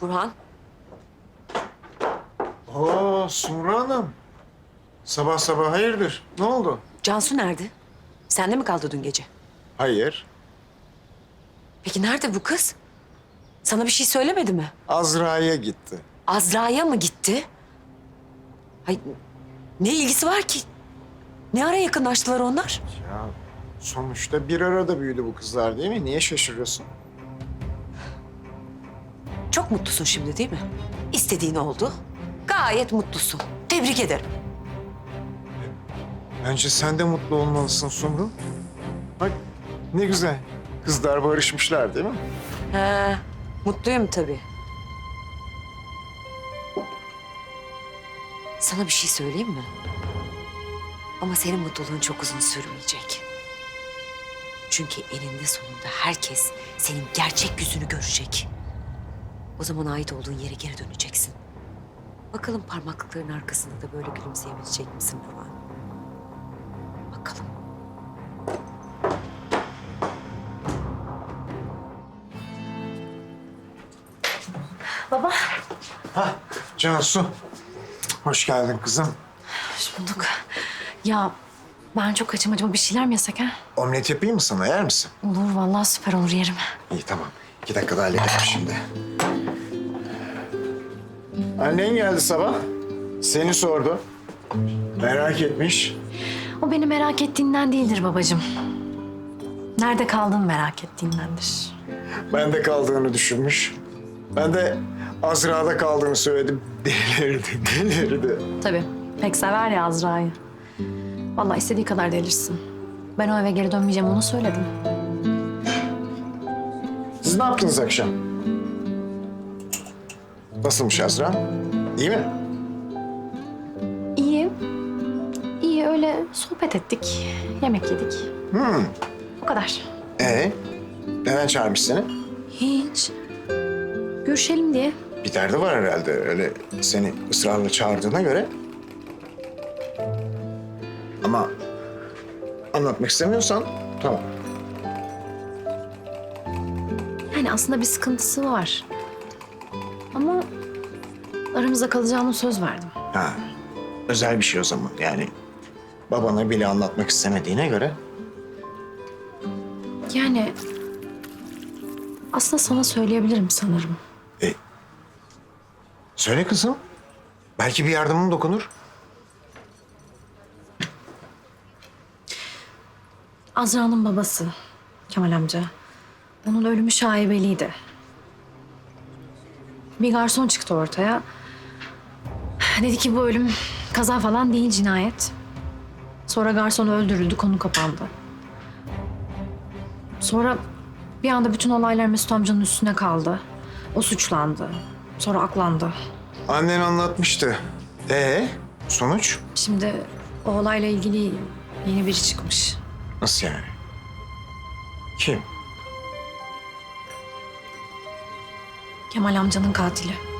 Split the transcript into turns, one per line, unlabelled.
Burhan.
Oo Sumru Hanım. Sabah sabah hayırdır? Ne oldu?
Cansu nerede? Sende mi kaldı dün gece?
Hayır.
Peki nerede bu kız? Sana bir şey söylemedi mi?
Azra'ya gitti.
Azra'ya mı gitti? Hay, ne ilgisi var ki? Ne ara yakınlaştılar onlar?
Ya sonuçta bir arada büyüdü bu kızlar değil mi? Niye şaşırıyorsun?
Çok mutlusun şimdi değil mi? İstediğin oldu. Gayet mutlusun. Tebrik ederim.
Bence sen de mutlu olmalısın Sumru. Bak ne güzel. Kızlar barışmışlar değil mi?
He, mutluyum tabii. Sana bir şey söyleyeyim mi? Ama senin mutluluğun çok uzun sürmeyecek. Çünkü eninde sonunda herkes senin gerçek yüzünü görecek. O zaman ait olduğun yere geri döneceksin. Bakalım parmaklıkların arkasında da böyle gülümseyebilecek misin Burhan? Bakalım.
Baba.
Cansu. Hoş geldin kızım.
Hoş bulduk. Ya ben çok açım, acaba bir şeyler mi yesek ha?
Omlet yapayım mı sana? Yer misin?
Olur vallahi, süper olur, yerim.
İyi tamam. 2 dakikada hallederim şimdi. Annen geldi sabah. Seni sordu. Merak etmiş.
O beni merak ettiğinden değildir babacığım. Nerede kaldığımı merak ettiğindendir.
Bende kaldığını düşünmüş. Ben de Azra'da kaldığını söyledim. Delirdi.
Tabii, pek sever ya Azra'yı. Vallahi istediği kadar delirsin. Ben o eve geri dönmeyeceğim, ona söyledim.
Siz ne yaptınız akşam? Nasılmış Azra? İyi mi?
İyi. İyi, öyle sohbet ettik, yemek yedik. O kadar.
Neden çağırmış seni?
Hiç. Görüşelim diye.
Bir derdi var herhalde. Öyle seni ısrarla çağırdığına göre. Ama anlatmak istemiyorsan tamam.
Yani aslında bir sıkıntısı var. Ama aramızda kalacağına söz verdim.
Ha, özel bir şey o zaman. Yani babana bile anlatmak istemediğine göre.
Yani aslında sana söyleyebilirim sanırım.
Söyle kızım. Belki bir yardımım dokunur.
Azra'nın babası Kemal amca. Onun ölümü şaibeliydi. Bir garson çıktı ortaya. Dedi ki bu ölüm kaza falan değil, cinayet. Sonra garson öldürüldü, konu kapandı. Sonra bir anda bütün olaylar Mesut amcanın üstüne kaldı. O suçlandı. Sonra aklandı.
Annen anlatmıştı. Sonuç?
Şimdi o olayla ilgili yeni biri çıkmış.
Nasıl yani? Kim?
Kemal amcanın katili.